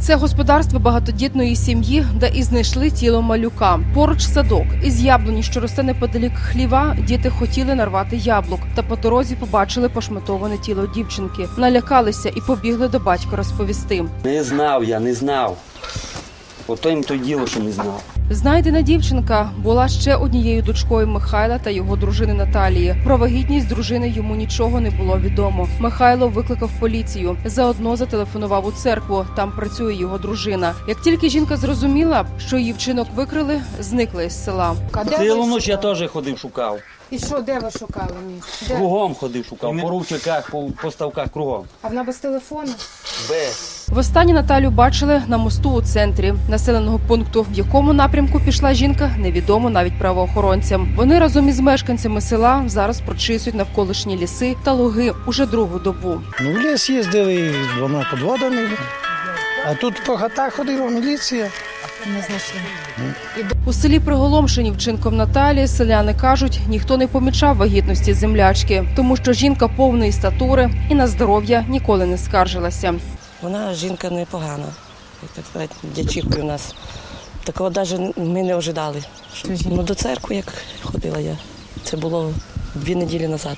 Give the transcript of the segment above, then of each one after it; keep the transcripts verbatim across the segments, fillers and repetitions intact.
Це господарство багатодітної сім'ї, де і знайшли тіло малюка. Поруч садок. Із яблуні, що росте неподалік хліва, діти хотіли нарвати яблук. Та по дорозі побачили пошматоване тіло дівчинки. Налякалися і побігли до батька розповісти. Не знав я, не знав. Ото їм то діло, що не знав. Знайдена дівчинка була ще однією дочкою Михайла та його дружини Наталії. Про вагітність дружини йому нічого не було відомо. Михайло викликав поліцію. Заодно зателефонував у церкву. Там працює його дружина. Як тільки жінка зрозуміла, що її вчинок викрили, зникла із села. Цілу ніч я теж ходив, шукав. І що, де ви шукали мені? Де? Кругом ходив, шукав. По ручках, по, по ставках, кругом. А вона без телефону? Без. Востаннє Наталю бачили на мосту у центрі населеного пункту. В якому напрямку пішла жінка, невідомо навіть правоохоронцям. Вони разом із мешканцями села зараз прочисують навколишні ліси та луги уже другу добу. Ну, в ліс їздили з двома підводами, а тут по хатах ходила міліція. Не знайшли. У селі приголомшені вчинком Наталі, селяни кажуть, ніхто не помічав вагітності землячки, тому що жінка повної статури і на здоров'я ніколи не скаржилася. Вона жінка непогана, як так сказати, дячівкою у нас. Такого навіть ми не ожидали. Ну, до церкви, як ходила я, це було дві неділі назад.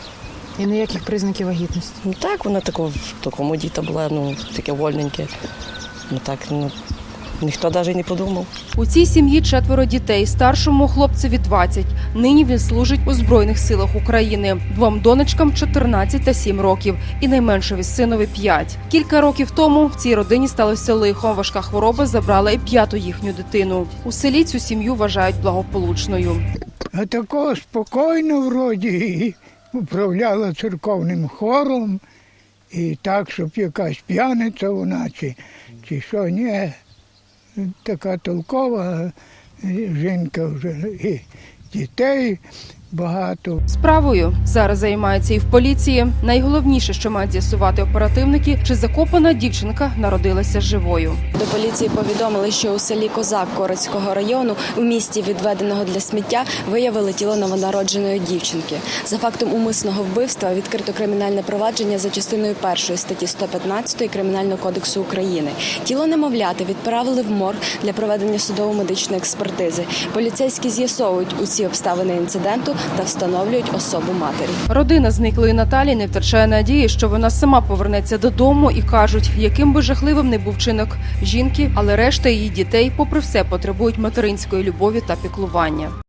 І ніяких признаків вагітності? Ну так, вона тако, в такому діта була, ну, таке вольненьке. Ну так, ну, ніхто навіть не подумав. У цій сім'ї четверо дітей, старшому хлопцеві двадцять. Нині він служить у Збройних силах України. Двом донечкам чотирнадцять та сім років і найменшові синові п'ять. Кілька років тому в цій родині сталося лихо. Важка хвороба забрала і п'яту їхню дитину. У селі цю сім'ю вважають благополучною. А такого спокійно вроді управляла церковним хором. І так, щоб якась п'яниця вона, чи, чи що, ні. Така толкова жінка вже, і дітей багато. Справою зараз займаються і в поліції. Найголовніше, що мають з'ясувати оперативники, чи закопана дівчинка народилася живою. До поліції повідомили, що у селі Козак Корецького району у місті, відведеного для сміття, виявили тіло новонародженої дівчинки. За фактом умисного вбивства відкрито кримінальне провадження за частиною першої статті сто п'ятнадцять Кримінального кодексу України. Тіло немовляти відправили в морг для проведення судово-медичної експертизи. Поліцейські з'ясовують усі обставини інциденту та встановлюють особу матері. Родина зниклої Наталі не втрачає надії, що вона сама повернеться додому, і кажуть, яким би жахливим не був вчинок жінки, але решта її дітей, попри все, потребують материнської любові та піклування.